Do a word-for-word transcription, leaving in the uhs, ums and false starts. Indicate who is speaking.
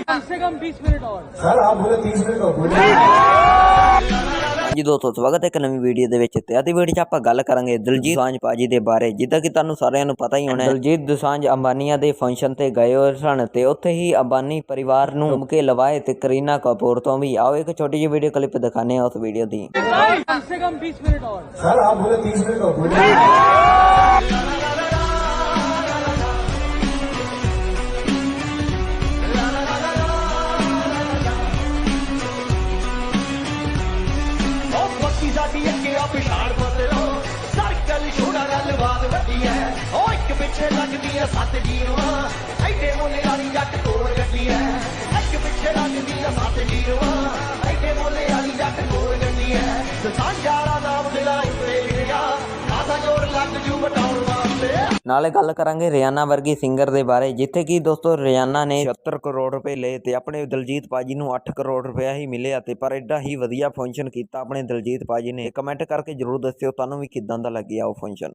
Speaker 1: कम से कम बीस मिनट और
Speaker 2: सर आप बोले तीस मिनट और बोले।
Speaker 3: जी दोस्तों स्वागत है एक नवी वीडियो ਦੇ ਵਿੱਚ ਤੇ ਆਦੀ ਵੀਡੀਓ 'ਚ ਆਪਾਂ ਗੱਲ ਕਰਾਂਗੇ ਦਿਲਜੀਤ ਦੋਸਾਂਝ ਭਾਜੀ ਦੇ ਬਾਰੇ। ਜਿੱਦਾਂ ਕਿ ਤੁਹਾਨੂੰ ਸਾਰਿਆਂ ਨੂੰ ਪਤਾ ਹੀ ਹੋਣਾ ਦਿਲਜੀਤ ਦੋਸਾਂਝ ਅੰਬਾਨੀਆਂ ਦੇ ਫੰਕਸ਼ਨ ਤੇ ਗਏ ਹੋਏ ਸਨ ਤੇ ਉੱਥੇ ਹੀ ਅੰਬਾਨੀ ਪਰਿਵਾਰ ਨੂੰ ਮੁਕੇ ਲਵਾਏ ਤੇ ਕਰੀਨਾ ਕਪੂਰ ਤੋਂ ਵੀ। ਆਓ ਇੱਕ ਛੋਟੀ ਜਿਹੀ ਵੀਡੀਓ ਕਲਿੱਪ ਦਿਖਾਣੇ ਆ ਉਸ ਵੀਡੀਓ ਦੀ।
Speaker 1: कम से कम बीस मिनट और
Speaker 2: सर आप बोले तीस मिनट और बोले।
Speaker 4: साडी अगे आ पिछाड़ बदलो सर्कल छोड़ा गलबात वड्डी है ओ एक पिछे लगदी है सत जीरवा ऐडे मोले वाली जट कोल गड्डी है एक पिछे लगदी है सत जीरवा ऐडे मोले वाली जट कोल गड्डी है साझारा नाम दिला उत्ते लिखिया आधा जोर लग जू बटाउण वास्ते।
Speaker 3: ਨਾਲੇ ਗੱਲ ਕਰਾਂਗੇ ਰਿਆਨਾ ਵਰਗੀ ਸਿੰਗਰ ਦੇ ਬਾਰੇ, ਜਿੱਥੇ ਕਿ ਦੋਸਤੋ ਰਿਆਨਾ ਨੇ ਛਿਅੱਤਰ ਕਰੋੜ ਰੁਪਏ ਲਏ ਤੇ ਆਪਣੇ ਦਿਲਜੀਤ ਭਾਜੀ ਨੂੰ ਅੱਠ ਕਰੋੜ ਰੁਪਇਆ ਹੀ ਮਿਲਿਆ ਤੇ ਪਰ ਐਡਾ ਹੀ ਵਧੀਆ ਫੰਕਸ਼ਨ ਕੀਤਾ ਆਪਣੇ ਦਿਲਜੀਤ ਭਾਜੀ ਨੇ। ਕਮੈਂਟ ਕਰਕੇ ਜਰੂਰ ਦੱਸਿਓ ਤੁਹਾਨੂੰ ਵੀ ਕਿੱਦਾਂ ਦਾ ਲੱਗਿਆ ਉਹ ਫੰਕਸ਼ਨ।